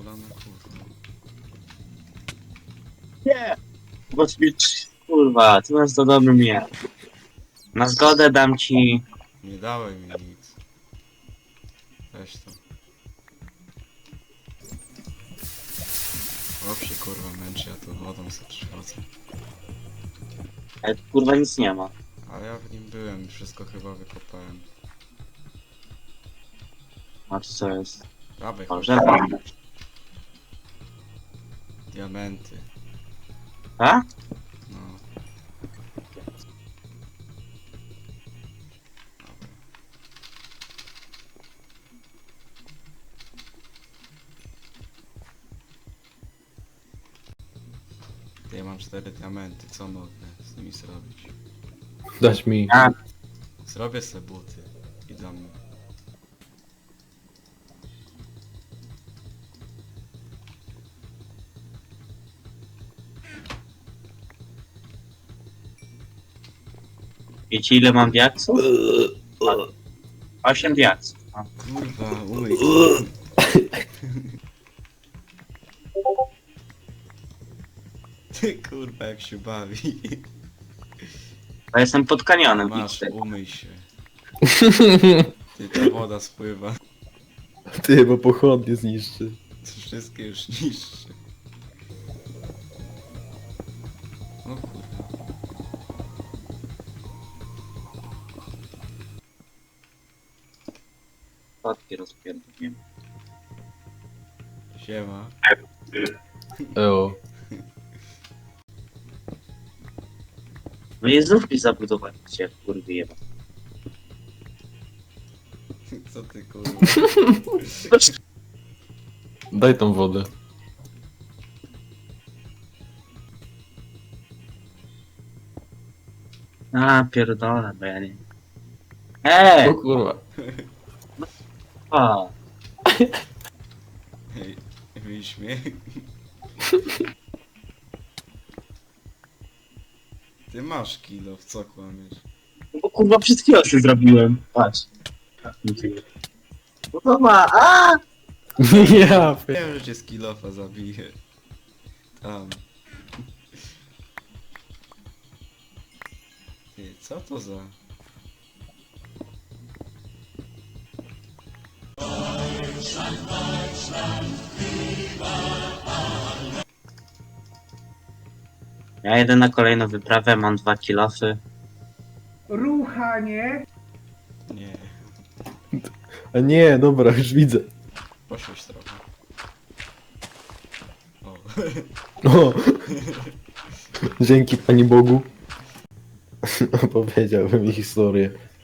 kula na kurwa. Nie! Bo kurwa, ty masz to dobry mnie. Na zgodę dam ci... Nie dałeś mi nic. Weź to. Chłop się kurwa męczy, ja tu wodą sobie przychodzę. Ale tu, kurwa nic nie ma. Ale ja w nim byłem, wszystko chyba wykopałem. A tu co jest? Dawaj, O, chodź. żelazny. Diamenty. A? No. Dobra. Ja mam 4 diamenty, co mogę z nimi zrobić? Dać mi. A, Zrobię se buty i dam. wiecie ile mam diaksów? 8 diaksów. A. Kurwa, umyj. Ty kurwa jak się bawi. Ja jestem pod kanionem. Masz, idźcie. umyj się. Ty, ta woda spływa. Ty, bo pochodnie zniszczy. Wszystkie już niższe. O kurwa. Spadki rozpierdolimy. Siema. Eo. No i znów mi zabudowaliście, kurwy jeba. Co ty kurwa? Daj tą wodę. A, pierdolę, bo ja nie... O kurwa. A, Hej, wyśmiech. Ty masz kilo, w co kłamiesz? bo kurwa przed chwilą się zrobiłem. Patrz. No to ma, a! Ja. Wiem, że cię z kilofa zabije. Tam. Ty, co to za... Ja jedę na kolejną wyprawę, mam 2 kilofy. Ruchanie. Nie. A nie, dobra, już widzę. Poświeć trochę. O. O. Dzięki Pani Bogu. Opowiedziałbym mi historię.